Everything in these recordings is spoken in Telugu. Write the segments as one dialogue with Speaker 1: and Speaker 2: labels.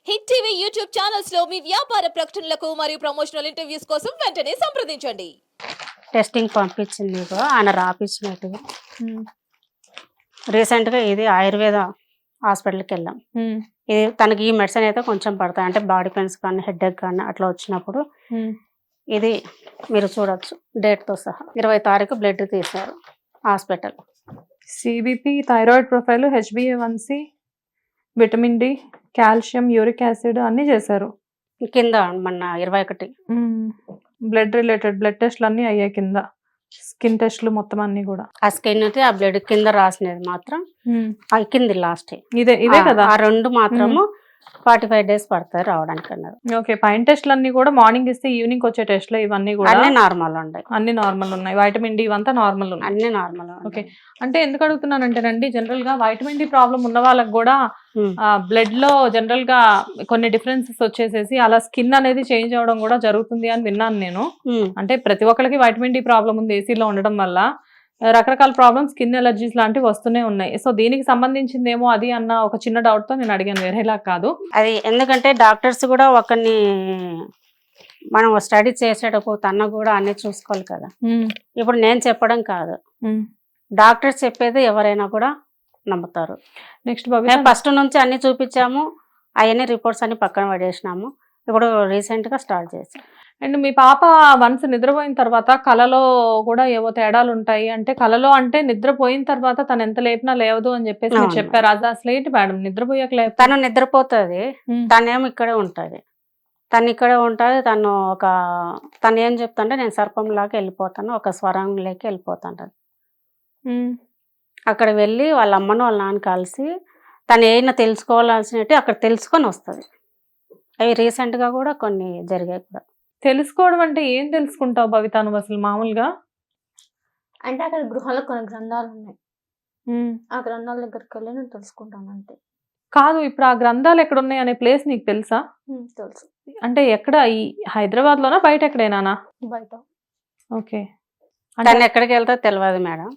Speaker 1: హిట్ టీవీ యూట్యూబ్ ఛానల్స్ లో మీ వ్యాపార ప్రకటనలకు మరియు ప్రమోషనల్ ఇంటర్వ్యూస్ కోసం వెంటనే సంప్రదించండి.
Speaker 2: టెస్టింగ్ పంపించింది మీకు ఆయన రాపించినట్టుగా రీసెంట్గా ఇది ఆయుర్వేద హాస్పిటల్కి వెళ్ళాం. ఇది తనకి ఈ మెడిసిన్ అయితే కొంచెం పడతాయి, అంటే బాడీ పెయిన్స్ కానీ హెడ్ఏక్ కానీ అట్లా వచ్చినప్పుడు ఇది మీరు చూడొచ్చు డేట్తో సహా 20 తారీఖు బ్లడ్ తీశారు hospital.
Speaker 3: CBP, thyroid profile, HbA1c, vitamin D, calcium, uric acid అన్నీ చేశారు.
Speaker 2: కింద మొన్న 21
Speaker 3: బ్లడ్ రిలేటెడ్ బ్లడ్ టెస్ట్లు అన్నీ అయ్యాయి కింద, స్కిన్ టెస్ట్లు మొత్తం అన్ని కూడా.
Speaker 2: ఆ స్కిన్ అయితే ఆ బ్లడ్ కింద రాసినది మాత్రం కింది లాస్ట్
Speaker 3: ఇదే కదా.
Speaker 2: ఆ రెండు మాత్రము 45 days పడతాయి రావడానికి అన్నారు.
Speaker 3: ఓకే, పైన టెస్ట్లు అన్ని కూడా మార్నింగ్ ఇస్తే ఈవినింగ్ వచ్చే టెస్ట్లు ఇవన్నీ కూడా
Speaker 2: అన్ని నార్మల్ ఉన్నాయి.
Speaker 3: అన్ని నార్మల్ ఉన్నాయి. వైటమిన్ డి ఇవంతా నార్మల్ ఉన్నాయి.
Speaker 2: అన్ని నార్మల్.
Speaker 3: ఓకే, అంటే ఎందుకు అడుగుతున్నానంటేనండి, జనరల్ గా వైటమిన్ డి ప్రాబ్లం ఉన్న వాళ్ళకి కూడా బ్లడ్ లో జనరల్ గా కొన్ని డిఫరెన్సెస్ వచ్చేసేసి అలా స్కిన్ అనేది చేంజ్ అవడం కూడా జరుగుతుంది అని విన్నాను నేను. అంటే ప్రతి ఒక్కరికి వైటమిన్ డి ప్రాబ్లం ఉంది ఏసీలో ఉండడం వల్ల, రకరకాల ప్రాబ్లమ్స్, స్కిన్ ఎలర్జీస్ లాంటివి వస్తూనే ఉన్నాయి. సో దీనికి సంబంధించిందేమో అది అన్న ఒక చిన్న డౌట్ తో నేను అడిగాను, వేరేలా కాదు.
Speaker 2: అది ఎందుకంటే డాక్టర్స్ కూడా ఒకరిని మనం స్టడీ చేసేటప్పుడు తన కూడా అన్ని చూసుకోవాలి కదా. ఇప్పుడు నేను చెప్పడం కాదు, డాక్టర్స్ చెప్పేది ఎవరైనా కూడా నమ్ముతారు.
Speaker 3: నెక్స్ట్
Speaker 2: ఫస్ట్ నుంచి అన్ని చూపించాము, అవన్నీ రిపోర్ట్స్ అన్ని పక్కన పడేసినాము. ఇప్పుడు రీసెంట్ గా స్టార్ట్ చేసాం.
Speaker 3: అండ్ మీ పాప వన్స్ నిద్రపోయిన తర్వాత కలలో కూడా ఏవో తేడాలు ఉంటాయి అంటే, కలలో అంటే నిద్రపోయిన తర్వాత తను ఎంత లేపినా లేవదు అని చెప్పేసి మీరు చెప్పారు. అది అసలు ఏంటి మేడం, నిద్రపోయాక లేపు?
Speaker 2: తను నిద్రపోతుంది, తనేమో ఇక్కడే ఉంటుంది. తను ఇక్కడే ఉంటుంది. తను ఏం చెప్తుంటే నేను సర్పంలాగా వెళ్ళిపోతాను, ఒక స్వరంలోకి వెళ్ళిపోతాను. అక్కడ వెళ్ళి వాళ్ళ అమ్మను వాళ్ళ నాన్న కలిసి తను ఏమైనా తెలుసుకోవాల్సినట్టు అక్కడ తెలుసుకొని వస్తుంది. అవి రీసెంట్గా కూడా కొన్ని జరిగాయి కూడా.
Speaker 3: తెలుసుకోవడం అంటే ఏం తెలుసుకుంటావు భవిత నువ్వు అసలు మామూలుగా?
Speaker 4: అంటే అక్కడ గృహాల్లో కొన్ని గ్రంథాలు ఉన్నాయి, ఆ గ్రంథాల దగ్గరికి వెళ్ళి నేను తెలుసుకుంటాను అంతే.
Speaker 3: కాదు, ఇప్పుడు ఆ గ్రంథాలు ఎక్కడ ఉన్నాయి అనే ప్లేస్ నీకు తెలుసా?
Speaker 4: తెలుసు.
Speaker 3: అంటే ఎక్కడ, ఈ హైదరాబాద్ లోనా బయట ఎక్కడైనా?
Speaker 4: బయట.
Speaker 3: ఓకే,
Speaker 2: తను ఎక్కడికి వెళ్తా తెలియదు మేడం.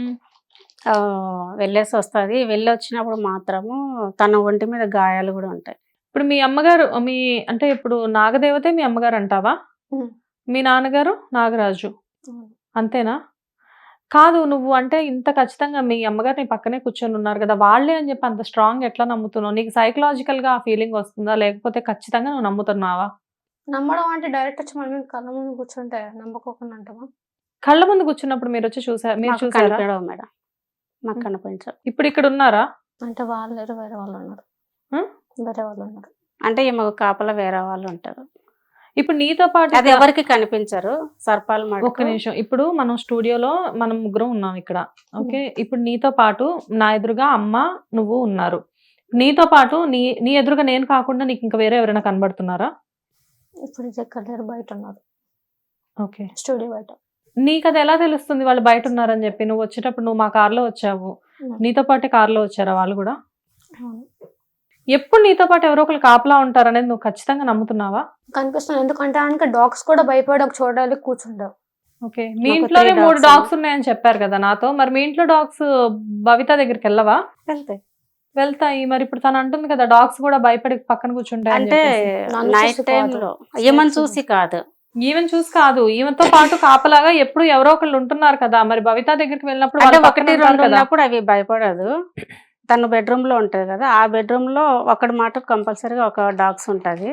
Speaker 2: వెళ్ళేసి వస్తుంది. వెళ్ళి వచ్చినప్పుడు మాత్రము తన ఒంటి మీద గాయాలు కూడా ఉంటాయి.
Speaker 3: ఇప్పుడు మీ అమ్మగారు అంటే ఇప్పుడు నాగదేవతే మీ అమ్మగారు అంటావా? మీ నాన్నగారు నాగరాజు అంతేనా? కాదు, నువ్వు అంటే ఇంత ఖచ్చితంగా మీ అమ్మగారు నీ పక్కనే కూర్చొని ఉన్నారు కదా, వాళ్ళే అని చెప్పి అంత స్ట్రాంగ్ ఎట్లా నమ్ముతున్నావు? నీకు సైకలాజికల్ గా ఆ ఫీలింగ్ వస్తుందా, లేకపోతే ఖచ్చితంగా నువ్వు నమ్ముతున్నావా?
Speaker 4: నమ్మడం అంటే డైరెక్ట్ వచ్చి మన మీద కళ్ళ ముందు కూర్చుంటే నమ్మకోకుండా అంటావా?
Speaker 3: కళ్ళ ముందు కూర్చున్నప్పుడు మీరు వచ్చి చూసారా? మీరు చూసారా
Speaker 2: మేడం? మాకు కనిపించారు.
Speaker 3: ఇప్పుడు ఇక్కడ ఉన్నారా?
Speaker 4: అంటే వాళ్ళు వేరే వాళ్ళు ఉన్నారు. వేరే వాళ్ళు ఉన్నారు
Speaker 2: అంటే ఈమె కాపలా వేరే వాళ్ళు ఉంటారు.
Speaker 3: ఇప్పుడు నీతో పాటు
Speaker 2: అది ఎవరికి కనిపించరు సర్పాలు.
Speaker 3: ఒక్క నిమిషం, ఇప్పుడు మనం స్టూడియోలో మనం ముగ్గురం ఉన్నాం ఇక్కడ. ఓకే, ఇప్పుడు నీతో పాటు నా ఎదురుగా అమ్మ నువ్వు ఉన్నారు. నీతో పాటు నీ ఎదురుగా నేను కాకుండా నీకు ఇంకా వేరే ఎవరైనా కనబడుతున్నారా?
Speaker 4: ఇప్పుడు ఎక్కడ బయట ఉన్నారు.
Speaker 3: ఓకే,
Speaker 4: స్టూడియో బయట.
Speaker 3: నీకు అది ఎలా తెలుస్తుంది వాళ్ళు బయట ఉన్నారని చెప్పి? నువ్వు వచ్చేటప్పుడు నువ్వు మా కార్లో వచ్చావు, నీతో పాటే కార్లో వచ్చారా వాళ్ళు కూడా? ఎప్పుడు నీతో పాటు ఎవరో ఒకరు కాపలా ఉంటారు అనేది నువ్వు ఖచ్చితంగా నమ్ముతున్నావా?
Speaker 4: కనిపిస్తుంది, ఎందుకంటే డాగ్స్ కూడా భయపడి ఒక చోట కూర్చుంటావు.
Speaker 3: ఓకే, మీ ఇంట్లోనే 3 డాగ్స్ ఉన్నాయని చెప్పారు కదా నాతో. మరి మీ ఇంట్లో డాగ్స్ భవిత దగ్గరికి వెళ్ళవా? వెళ్తాయి. మరి ఇప్పుడు తను అంటుంది కదా డాగ్స్ కూడా భయపడి పక్కన కూర్చుంటాయి
Speaker 2: అంటే నైట్ టైంలో ఏమని చూసి కాదు,
Speaker 3: ఈవెన్ చూసి కాదు, ఈవెన్తో పాటు కాపలాగా ఎప్పుడు ఎవరో ఒకళ్ళు ఉంటున్నారు కదా. మరి భవిత దగ్గరికి వెళ్ళినప్పుడు
Speaker 2: అంటే 1-2 ఉన్నప్పుడు అవి భయపడదు. తను బెడ్రూమ్ లో ఉంటది కదా, ఆ బెడ్రూమ్ లో ఒకటి మాట కంపల్సరీగా ఒక డాగ్స్ ఉంటది.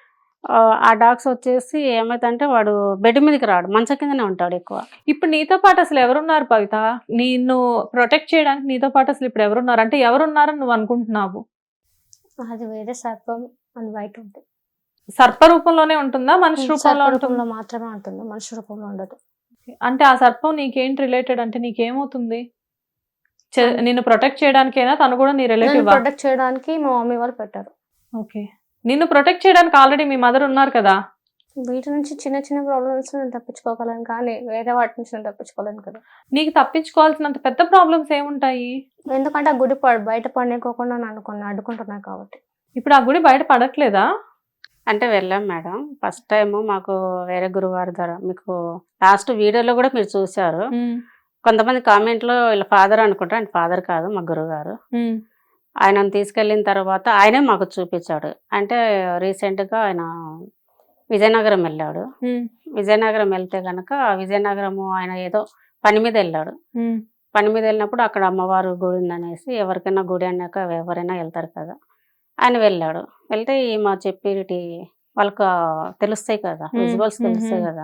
Speaker 2: ఆ డాగ్స్ వచ్చేసి ఏమైందంటే వాడు బెడ్ మీదకి రాడు, మంచం కిందనే ఉంటాడు ఎక్కువ.
Speaker 3: ఇప్పుడు నీతో పాటు అసలు ఎవరున్నారు భవిత? నిన్ను ప్రొటెక్ట్ చేయడానికి నీతో పాటు అసలు ఇప్పుడు ఎవరున్నారు? అంటే ఎవరున్నారని నువ్వు అనుకుంటున్నావు?
Speaker 4: అది వేరే సర్పం, అది బయట ఉంటుంది.
Speaker 3: సర్ప రూపంలోనే ఉంటుందా, మనిషి రూపంలో
Speaker 4: మాత్రమే ఉంటుంది, మనిషి రూపంలో ఉండదు.
Speaker 3: అంటే ఆ సర్పం నీకేంటి రిలేటెడ్? అంటే నీకేమవుతుంది? నిన్ను ప్రొటెక్ట్ చేయడానికైనా తను కూడా నీ రిలేటివ్?
Speaker 4: ప్రొటెక్ట్ చేయడానికి మా మమ్మీ వాళ్ళు పెట్టారు.
Speaker 3: ఓకే, నిన్ను ప్రొటెక్ట్ చేయడానికి ఆల్రెడీ మీ మదర్ ఉన్నారు కదా.
Speaker 4: వీటి నుంచి చిన్న చిన్న ప్రాబ్లమ్స్ నేను తప్పించుకోగలను, కానీ వేరే వాటి నుంచి నేను తప్పించుకోలేను కదా.
Speaker 3: నీకు తప్పించుకోవాల్సినంత పెద్ద ప్రాబ్లమ్స్ ఏముంటాయి?
Speaker 4: ఎందుకంటే ఆ గుడి బయట పడేకోకుండా నన్ను అడ్డుకుంటున్నాయి కాబట్టి.
Speaker 3: ఇప్పుడు ఆ గుడి బయట పడట్లేదా?
Speaker 2: అంటే వెళ్ళాం మేడం. ఫస్ట్ టైం మాకు వేరే గురువారి ద్వారా, మీకు లాస్ట్ వీడియోలో కూడా మీరు చూసారు. కొంతమంది కామెంట్లో వీళ్ళ ఫాదర్ అనుకుంటారు, అండ్ ఫాదర్ కాదు మా గురువు గారు. ఆయనను తీసుకెళ్ళిన తర్వాత ఆయనే మాకు చూపించాడు. అంటే రీసెంట్గా ఆయన విజయనగరం వెళ్ళాడు. విజయనగరం వెళ్తే కనుక విజయనగరము ఆయన ఏదో పని మీద వెళ్ళాడు. పని మీద వెళ్ళినప్పుడు అక్కడ అమ్మవారు గుడి ఉందనేసి, ఎవరికైనా గుడి అన్నాక ఎవరైనా వెళ్తారు కదా, ఆయన వెళ్ళాడు. వెళ్తే మా చెప్పేటి వాళ్ళకు తెలుస్తాయి కదా, విజువల్స్ తెలుస్తాయి కదా,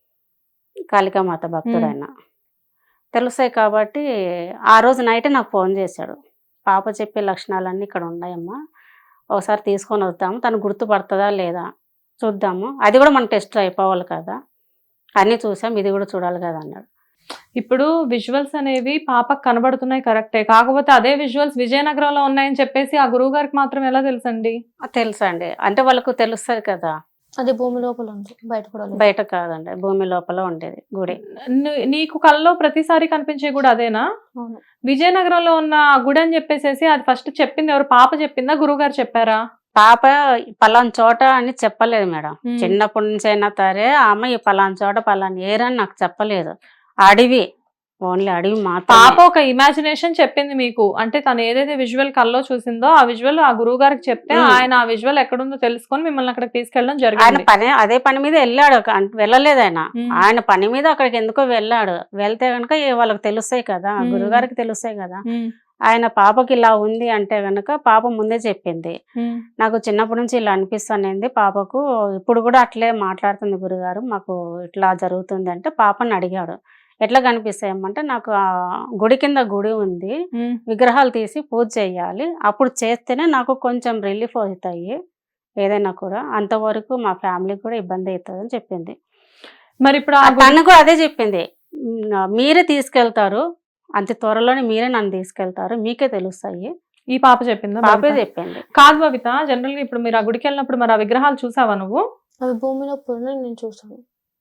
Speaker 2: కాళికామాత భక్తుడు ఆయన తెలుస్తాయి కాబట్టి ఆ రోజు నైట్ నాకు ఫోన్ చేశాడు. పాప చెప్పే లక్షణాలన్నీ ఇక్కడ ఉన్నాయమ్మా, ఒకసారి తీసుకొని వద్దాము, తను గుర్తుపడుతుందా లేదా చూద్దాము, అది కూడా మన టెస్ట్ అయిపోవాలి కదా, అన్నీ చూసాం, ఇది కూడా చూడాలి కదా అన్నాడు.
Speaker 3: ఇప్పుడు విజువల్స్ అనేవి పాపకు కనబడుతున్నాయి కరెక్టే, కాకపోతే అదే విజువల్స్ విజయనగరంలో ఉన్నాయని చెప్పేసి ఆ గురువు గారికి మాత్రం ఎలా తెలుసండి?
Speaker 2: తెలుసా అండి, అంటే వాళ్ళకు తెలుస్తుంది కదా.
Speaker 4: అది భూమి లోపల ఉంది, బయట కూడా లేదు.
Speaker 2: బయట కాదండి, భూమి లోపల ఉండేది గుడి.
Speaker 3: నీకు కల్లో ప్రతిసారి కనిపించే గుడి అదేనా?
Speaker 4: అవును.
Speaker 3: విజయనగరంలో ఉన్న ఆ గుడి అని చెప్పేసి అది ఫస్ట్ చెప్పింది ఎవరు? పాప చెప్పిందా, గురువు గారు చెప్పారా?
Speaker 2: పాప పలానా చోట అని చెప్పలేదు మేడం. చిన్నప్పటి నుంచి అయినా సరే ఆమె ఈ పలానా చోట పలానా ఏరని నాకు చెప్పలేదు. అడవి, ఓన్లీ అడవి మాత్రం.
Speaker 3: పాప ఒక ఇమాజినేషన్ చెప్పింది మీకు, అంటే తను ఏదైతే విజువల్ కల్లో చూసిందో ఆ విజువల్ ఆ గురువు గారికి చెప్తే ఆయన ఆ విజువల్ ఎక్కడుందో తెలుసుకొని మిమ్మల్ని అక్కడికి తీసుకెళ్ళడం
Speaker 2: ఆయన
Speaker 3: జరిగింది.
Speaker 2: పని అదే పని మీద వెళ్ళాడు, వెళ్ళలేదు ఆయన. ఆయన పని మీద అక్కడికి ఎందుకో వెళ్ళాడు. వెళ్తే కనుక వాళ్ళకి తెలుస్తాయి కదా, గురుగారికి తెలుస్తాయి కదా. ఆయన పాపకి ఇలా ఉంది అంటే గనక పాప ముందే చెప్పింది, నాకు చిన్నప్పటి నుంచి ఇలా అనిపిస్తుంది పాపకు, ఇప్పుడు కూడా అట్లే మాట్లాడుతుంది గురుగారు, మాకు ఇట్లా జరుగుతుంది అంటే పాపని అడిగాడు. ఎట్లా కనిపిస్తాయమ్మంటే, నాకు ఆ గుడి కింద గుడి ఉంది, విగ్రహాలు తీసి పూజ చేయాలి, అప్పుడు చేస్తేనే నాకు కొంచెం రిలీఫ్ అవుతాయి ఏదైనా కూడా, అంతవరకు మా ఫ్యామిలీకి కూడా ఇబ్బంది అవుతుంది అని చెప్పింది.
Speaker 3: మరి ఇప్పుడు
Speaker 2: తను కూడా అదే చెప్పింది, మీరే తీసుకెళ్తారు, అంత త్వరలోనే మీరే నన్ను తీసుకెళ్తారు, మీకే తెలుస్తాయి.
Speaker 3: ఈ పాప చెప్పిందా?
Speaker 2: పాపే చెప్పింది.
Speaker 3: కాదు బబిత, జనరల్ గా ఇప్పుడు మీరు ఆ గుడికి వెళ్ళినప్పుడు మరి ఆ విగ్రహాలు చూసావా నువ్వు?
Speaker 4: అవి భూమి లోపల నేను చూసాను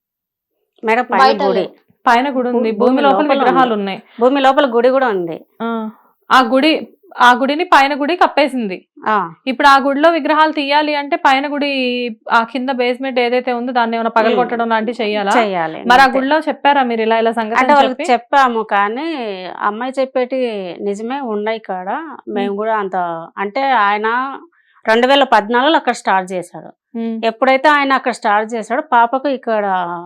Speaker 2: మేడం. పైన గుడి,
Speaker 3: పైన గుడి ఉంది, భూమి లోపల విగ్రహాలు ఉన్నాయి,
Speaker 2: భూమి లోపల గుడి కూడా ఉంది.
Speaker 3: ఆ గుడిని పైన గుడి కప్పేసింది. ఇప్పుడు ఆ గుడిలో విగ్రహాలు తీయాలి అంటే పైన గుడి ఆ కింద బేస్మెంట్ ఏదైతే ఉందో దాన్ని ఏమైనా పగలగొట్టడం లాంటివి చెయ్యాలి. మరి ఆ గుడిలో చెప్పారా మీరు ఇలా ఇలా సంగతి?
Speaker 2: అంటే వాళ్ళకి చెప్పాము, కానీ అమ్మాయి చెప్పేటి నిజమే ఉన్నాయి కాడ. మేము కూడా అంత, అంటే ఆయన 2014లో అక్కడ స్టార్ట్ చేశాడు. ఎప్పుడైతే ఆయన అక్కడ స్టార్ట్ చేశాడో పాపకు ఇక్కడ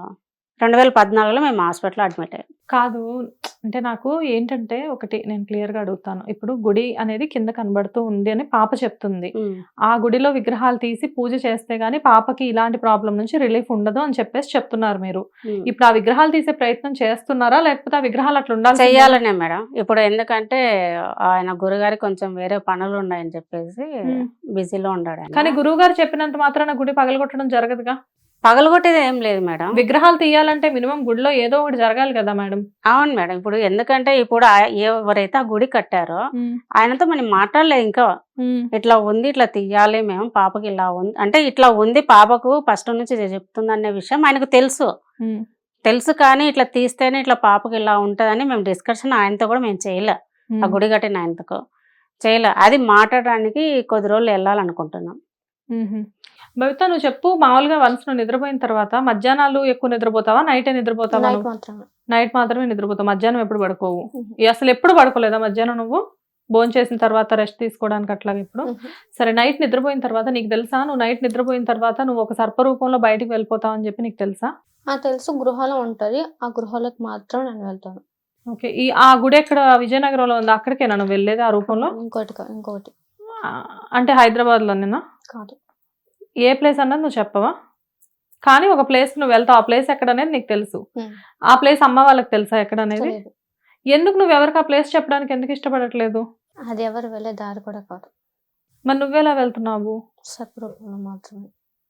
Speaker 2: 2014లో మేము హాస్పిటల్ అడ్మిట్ అయ్యాం.
Speaker 3: కాదు, అంటే నాకు ఏంటంటే ఒకటి నేను క్లియర్ గా అడుగుతాను. ఇప్పుడు గుడి అనేది కింద కనబడుతూ ఉంది అని పాప చెప్తుంది, ఆ గుడిలో విగ్రహాలు తీసి పూజ చేస్తే గానీ పాపకి ఇలాంటి ప్రాబ్లం నుంచి రిలీఫ్ ఉండదు అని చెప్పేసి చెప్తున్నారు మీరు. ఇప్పుడు ఆ విగ్రహాలు తీసే ప్రయత్నం చేస్తున్నారా, లేకపోతే ఆ విగ్రహాలు అట్లా ఉండాలి?
Speaker 2: చెయ్యాలనే మేడం. ఇప్పుడు ఎందుకంటే ఆయన గురుగారికి కొంచెం వేరే పనులు ఉన్నాయని చెప్పేసి బిజీలో ఉన్నాడు.
Speaker 3: కానీ గురువు గారు చెప్పినంత మాత్రాన గుడి పగలగొట్టడం జరగదుగా?
Speaker 2: పగలగొట్టేది ఏం లేదు మేడం.
Speaker 3: విగ్రహాలు తీయాలంటే మినిమం గుడిలో ఏదో ఒకటి జరగాలి కదా మేడం.
Speaker 2: అవును మేడం. ఇప్పుడు ఎందుకంటే ఇప్పుడు ఎవరైతే ఆ గుడి కట్టారో ఆయనతో మనం మాట్లాడలేదు ఇంకా, ఇట్లా ఉంది, ఇట్లా తీయాలి మేము, పాపకి ఇలా ఉంది అంటే ఇట్లా ఉంది, పాపకు ఫస్ట్ నుంచి చెప్తుంది అనే విషయం ఆయనకు తెలుసు కానీ ఇట్లా తీస్తేనే ఇట్లా పాపకి ఇలా ఉంటుందని మేము డిస్కషన్ ఆయనతో కూడా మేము చేయలే, ఆ గుడి కట్టిన ఆయనతో చేయలే. అది మాట్లాడడానికి కొద్ది రోజులు వెళ్ళాలనుకుంటున్నాం.
Speaker 3: బబిత, నువ్వు చెప్పు, మామూలుగా వన్స్ నువ్వు నిద్రపోయిన తర్వాత మధ్యాహ్నాలు ఎక్కువ నిద్రపోతావా, నైట్ నిద్రపోతావా? నైట్ మాత్రమే నిద్రపోతావు, మధ్యాహ్నం ఎప్పుడు పడుకోవు? అసలు ఎప్పుడు పడుకోలేదా మధ్యాహ్నం నువ్వు? భోజనం చేసిన తర్వాత రెస్ట్ తీసుకోవడానికి అట్లాగే ఇప్పుడు సరే. నైట్ నిద్రపోయిన తర్వాత నీకు తెలుసా, నువ్వు నైట్ నిద్రపోయిన తర్వాత నువ్వు ఒక సర్పరూపంలో బయటికి వెళ్ళిపోతావు అని చెప్పి నీకు తెలుసా?
Speaker 4: తెలుసు, గృహలో ఉంటది, ఆ గృహాలకు మాత్రం నేను వెళ్తాను.
Speaker 3: ఓకే, ఆ గుడి ఎక్కడ విజయనగరంలో ఉంది, అక్కడికేనా నువ్వు వెళ్ళేది ఆ రూపంలో?
Speaker 4: ఇంకోటి
Speaker 3: అంటే హైదరాబాద్ లోనేనా?
Speaker 4: కాదు,
Speaker 3: ఏ ప్లేస్ అన్నది నువ్వు చెప్పవా? కానీ ఒక ప్లేస్ నువ్వు వెళ్తావు, ఆ ప్లేస్ ఎక్కడ అనేది నీకు తెలుసు, ఆ ప్లేస్ అమ్మ వాళ్ళకి తెలుసా ఎక్కడ అనేది? ఎందుకు నువ్వు ఎవరికి ఆ ప్లేస్ చెప్పడానికి ఎందుకు ఇష్టపడట్లేదు?
Speaker 4: అది ఎవరు వెళ్ళే దారి కూడా కాదు.
Speaker 3: మరి నువ్వెలా వెళ్తున్నావు?
Speaker 4: సర్పరూపంలో మాత్రమే.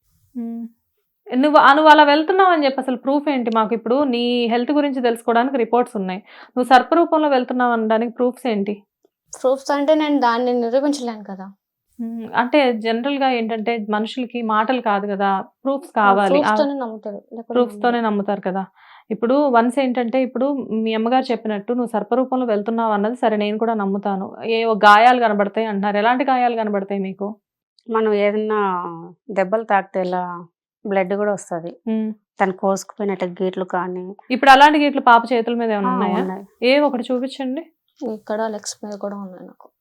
Speaker 3: నువ్వు అలా వెళ్తున్నావు అని చెప్పి అసలు ప్రూఫ్ ఏంటి మాకు? ఇప్పుడు నీ హెల్త్ గురించి తెలుసుకోవడానికి రిపోర్ట్స్ ఉన్నాయి, నువ్వు సర్పరూపంలో వెళ్తున్నావు అనడానికి ప్రూఫ్స్ ఏంటి?
Speaker 4: ప్రూఫ్స్ అంటే నేను దాన్ని నిరూపించలేను కదా.
Speaker 3: అంటే జనరల్ గా ఏంటంటే మనుషులకి మాటలు కాదు కదా, ప్రూఫ్స్ కావాలి, ప్రూఫ్స్ తోనే నమ్ముతారు కదా. ఇప్పుడు వన్స్ ఏంటంటే, ఇప్పుడు మీ అమ్మగారు చెప్పినట్టు నువ్వు సర్పరూపంలో వెళ్తున్నావు అన్నది సరే, నేను కూడా నమ్ముతాను. ఏవో గాయాలు కనబడతాయి అంటున్నారు, ఎలాంటి గాయాలు కనబడతాయి మీకు?
Speaker 2: మనం ఏదన్నా దెబ్బలు తాకితే ఇలా బ్లడ్ కూడా వస్తుంది, తను కోసుకుపోయినట్టు గీట్లు కానీ.
Speaker 3: ఇప్పుడు అలాంటి గీట్లు పాప చేతుల మీద ఏమైనా ఉన్నాయా? ఏ ఒకటి చూపించండి.
Speaker 4: ఇక్కడ లెగ్స్ మీద కూడా ఉన్నాయి నాకు.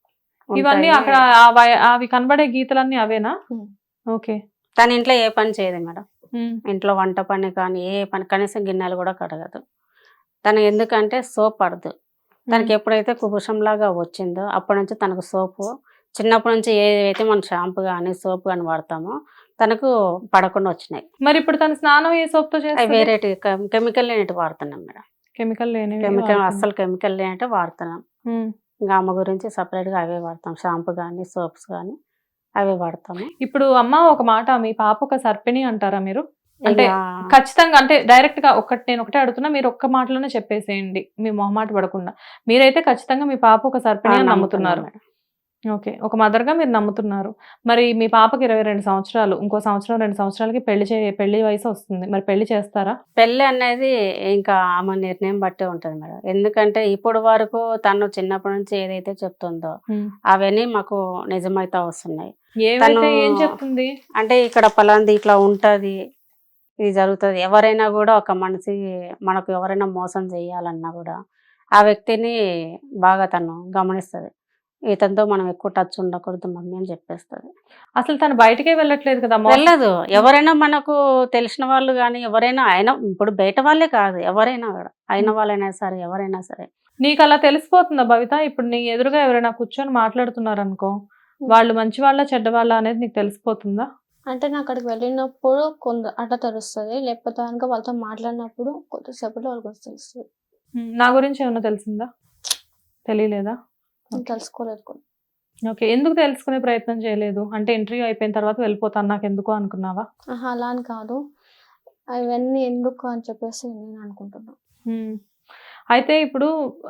Speaker 3: ఇవన్నీ
Speaker 2: ఉంటాయి.
Speaker 3: అక్కడ అవి కనబడే గీతలన్నీ అవేనా?
Speaker 4: ఉమ్.
Speaker 3: ఓకే.
Speaker 2: తన ఇంట్లో ఏ పని చేయదు మేడం. ఇంట్లో వంట పని కానీ ఏ పని, కనీసం గిన్నెలు కూడా కడగదు. తను ఎందుకంటే సోప్ పడదు. తనకి ఎప్పుడైతే కుబుషంలాగా వచ్చిందో అప్పటి నుంచి తనకు సోపు, చిన్నప్పటి నుంచి ఏదైతే మనం షాంపూ కానీ సోప్ కానీ వాడతామో తనకు పడకుండా వచ్చినాయి.
Speaker 3: మరి ఇప్పుడు తన స్నానం ఏ సోప్ తో
Speaker 2: అవి
Speaker 3: చేస్తుంది?
Speaker 2: వేరేటి కెమికల్ లేనిటి వాడుతున్నాం మేడం.
Speaker 3: కెమికల్ లేనివి
Speaker 2: కెమికల్
Speaker 3: వాడుతుంది.
Speaker 2: అస్సలు కెమికల్ లేనిటే వాడుతున్నాం.
Speaker 3: ఉమ్.
Speaker 2: ఇంకా అమ్మ గురించి సపరేట్గా అవే వాడతాం. షాంపూ కానీ సోప్స్ కానీ అవే వాడతాము.
Speaker 3: ఇప్పుడు అమ్మ ఒక మాట, మీ పాప ఒక సర్పిణి అంటారా మీరు? అంటే
Speaker 2: ఇంకా
Speaker 3: ఖచ్చితంగా, అంటే డైరెక్ట్ గా నేను ఒకటే అడుగుతున్నా, మీరు ఒక్క మాటలోనే చెప్పేసేయండి, మీ మొహమాట పడకుండా. మీరైతే ఖచ్చితంగా మీ పాప ఒక సర్పిణి అని నమ్ముతున్నారు.
Speaker 2: మేడం.
Speaker 3: ఓకే, ఒక మదర్ గా మీరు నమ్ముతున్నారు. మరి మీ పాపకి 22 సంవత్సరాలు, ఇంకో సంవత్సరం 2 సంవత్సరాలకి పెళ్లి వయసు వస్తుంది. మరి పెళ్లి చేస్తారా?
Speaker 2: పెళ్ళి అనేది ఇంకా ఆమె నిర్ణయం బట్టే ఉంటుంది మేడం. ఎందుకంటే ఇప్పుడు వరకు తను చిన్నప్పటి నుంచి ఏదైతే చెప్తుందో అవన్నీ మాకు నిజమైతే వస్తున్నాయి.
Speaker 3: ఏమైతే ఏం చెప్తుంది?
Speaker 2: అంటే ఇక్కడ పలాంది ఇట్లా ఉంటది, ఇది జరుగుతుంది. ఎవరైనా కూడా ఒక మనిషి మనకు ఎవరైనా మోసం చేయాలన్నా కూడా ఆ వ్యక్తిని బాగా తను గమనిస్తుంది. ఇతనితో మనం ఎక్కువ టచ్ ఉండకూడదు మమ్మీ అని చెప్పేస్తుంది.
Speaker 3: అసలు తను బయటకే వెళ్ళట్లేదు కదా?
Speaker 2: వెళ్ళదు. ఎవరైనా మనకు తెలిసిన వాళ్ళు కానీ ఎవరైనా, అయినా ఇప్పుడు బయట వాళ్ళే కాదు, ఎవరైనా కూడా, అయిన వాళ్ళైనా సరే ఎవరైనా సరే.
Speaker 3: నీకు అలా తెలిసిపోతుందా భవిత? ఇప్పుడు నీ ఎదురుగా ఎవరైనా కూర్చొని మాట్లాడుతున్నారు అనుకో, వాళ్ళు మంచి వాళ్ళ చెడ్డ వాళ్ళ అనేది నీకు తెలిసిపోతుందా?
Speaker 4: అంటే నేను అక్కడికి వెళ్ళినప్పుడు కొంత అట్లా తెలుస్తుంది, లేకపోతే కనుక వాళ్ళతో మాట్లాడినప్పుడు కొద్దిసేపట్లో వాళ్ళకి తెలుస్తుంది.
Speaker 3: నా గురించి ఏమన్నా తెలిసిందా? తెలియలేదా?
Speaker 4: నేను తెలుసుకోలేదు కూడా.
Speaker 3: ఓకే, ఎందుకు తెలుసుకునే ప్రయత్నం చేయలేదు? అంటే ఇంటర్వ్యూ అయిపోయిన తర్వాత వెళ్ళిపోతాను నాకు ఎందుకు అనుకున్నావా?
Speaker 4: అలా అని కాదు, అవన్నీ ఎందుకు అని చెప్పేసి నేను అనుకుంటున్నాను.
Speaker 3: అయితే ఇప్పుడు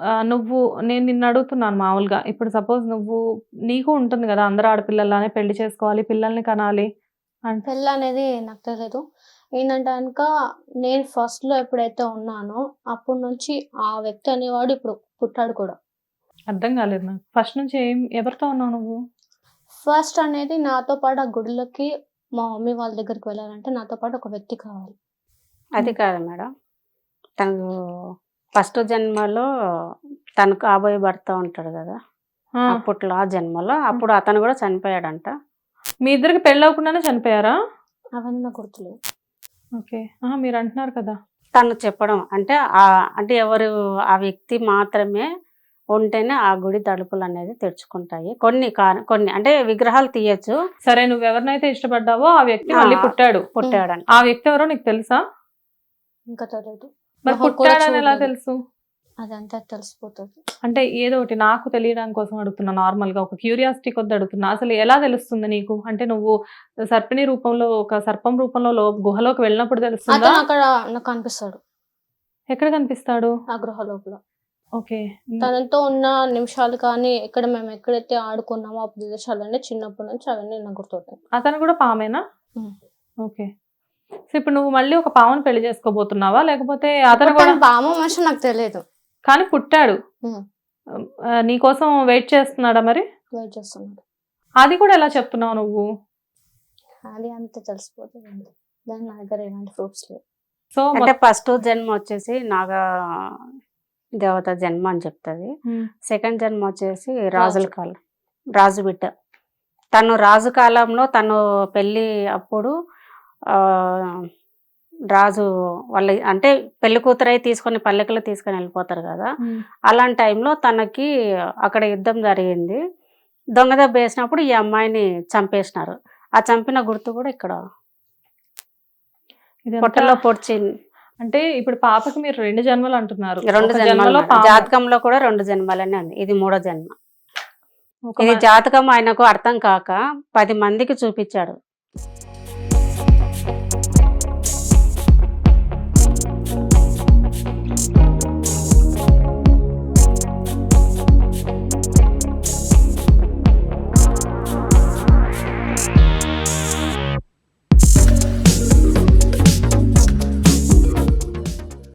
Speaker 3: నేను నిన్ను అడుగుతున్నాను మామూలుగా, ఇప్పుడు సపోజ్ నీకు ఉంటుంది కదా, అందరు ఆడపిల్లలానే పెళ్లి చేసుకోవాలి, పిల్లల్ని కనాలి అంటే.
Speaker 4: పెళ్ళి అనేది నాకు తెలియదు. ఏంటంటే కనుక నేను ఫస్ట్ లో ఎప్పుడైతే ఉన్నానో అప్పటి నుంచి ఆ వ్యక్తి అనేవాడు ఇప్పుడు పుట్టాడు కూడా.
Speaker 3: అర్థం కాలేదు నాకు. ఫస్ట్ నుంచి ఎవరితో ఉన్నావు నువ్వు?
Speaker 4: ఫస్ట్ అనేది నాతో పాటు ఆ గుడిలోకి మా మమ్మీ వాళ్ళ దగ్గరికి వెళ్ళాలంటే నాతో పాటు ఒక వ్యక్తి కావాలి.
Speaker 2: అది కాదు మేడం, తను ఫస్ట్ జన్మలో తనకు కాబోయే భర్త ఉంటాడు కదా, అప్పట్లో ఆ జన్మలో అప్పుడు అతను కూడా చనిపోయాడంట.
Speaker 3: మీ ఇద్దరికి పెళ్ళి అవ్వకుండానే చనిపోయారా?
Speaker 4: అవన్నీ నాకు గుర్తులేవు.
Speaker 3: ఓకే, మీరు అంటున్నారు కదా.
Speaker 2: తను చెప్పడం అంటే అంటే ఎవరు ఆ వ్యక్తి మాత్రమే ఉంటేనే ఆ గుడి తలుపులు అనేది తెరుచుకుంటాయి. కొన్ని అంటే విగ్రహాలు తీయచ్చు.
Speaker 3: సరే, నువ్వు ఎవరినైతే ఇష్టపడ్డావో ఆ వ్యక్తి మళ్ళీ పుట్టాడంట. ఆ వ్యక్తి ఎవరో నీకు తెలుసా?
Speaker 4: ఇంకా తెలియదు.
Speaker 3: మరి పుట్టాడని ఎలా తెలుసు?
Speaker 4: అదంతా తెలిసిపోతుంది.
Speaker 3: అంటే ఏదో ఒకటి నాకు తెలియడానికి కోసం అడుగుతున్నా, నార్మల్ గా ఒక క్యూరియాసిటీ కొద్ది అడుగుతున్నా. అసలు ఎలా తెలుస్తుంది నీకు? అంటే నువ్వు సర్పిణి రూపంలో, ఒక సర్పం రూపంలో గుహలోకి వెళ్ళినప్పుడు తెలుస్తుందా?
Speaker 4: అతను అక్కడ నాకు కనిపిస్తాడు.
Speaker 3: ఎక్కడ కనిపిస్తాడు?
Speaker 4: ఆ గృహ లోపల.
Speaker 3: ఓకే,
Speaker 4: తనతో ఉన్న నిమిషాలు కానీ మేము ఎక్కడైతే ఆడుకున్నామో ఆ ప్రదేశాలన్నీ చిన్నప్పటి నుంచి అవన్నీ నాకు గుర్తుంటాయి.
Speaker 3: అతను కూడా పామేనా? ఓకే, సో ఇప్పుడు నువ్వు మళ్ళీ ఒక పామును పెళ్లి చేసుకోబోతున్నావా, లేకపోతే అతను కూడా?
Speaker 4: పాము మనిషి నాకు తెలియదు,
Speaker 3: కానీ పుట్టాడు. నీకోసం వెయిట్ చేస్తున్నాడా? మరి
Speaker 4: వెయిట్ చేస్తున్నాడు.
Speaker 3: అది కూడా ఎలా చెప్తున్నావు నువ్వు?
Speaker 4: అది అంత తెలిసిపోతుంది, దాని నా దగ్గర ఎలాంటి ప్రూఫ్స్ లేవు.
Speaker 3: సో
Speaker 2: అంటే ఫస్ట్ జన్మ వచ్చేసి నాగా దేవత జన్మ అని చెప్తుంది. సెకండ్ జన్మ వచ్చేసి రాజుల కాలం, రాజు బిడ్డ. తను రాజు కాలంలో తను పెళ్ళి అప్పుడు రాజు వాళ్ళ అంటే పెళ్లి కూతురై తీసుకొని పల్లెకలో తీసుకొని వెళ్ళిపోతారు కదా, అలాంటి టైంలో తనకి అక్కడ యుద్ధం జరిగింది. దొంగ దెబ్బ వేసినప్పుడు ఈ అమ్మాయిని చంపేసినారు. ఆ చంపిన గుర్తు కూడా ఇక్కడ పొట్టలో పొడిచి.
Speaker 3: అంటే ఇప్పుడు పాపకి మీరు 2 జన్మలు అంటున్నారు.
Speaker 2: 2 జన్మలు జాతకంలో కూడా 2 జన్మలనే ఉంది. ఇది 3వ జన్మ. ఇది జాతకం ఆయనకు అర్థం కాక 10 మందికి చూపించాడు.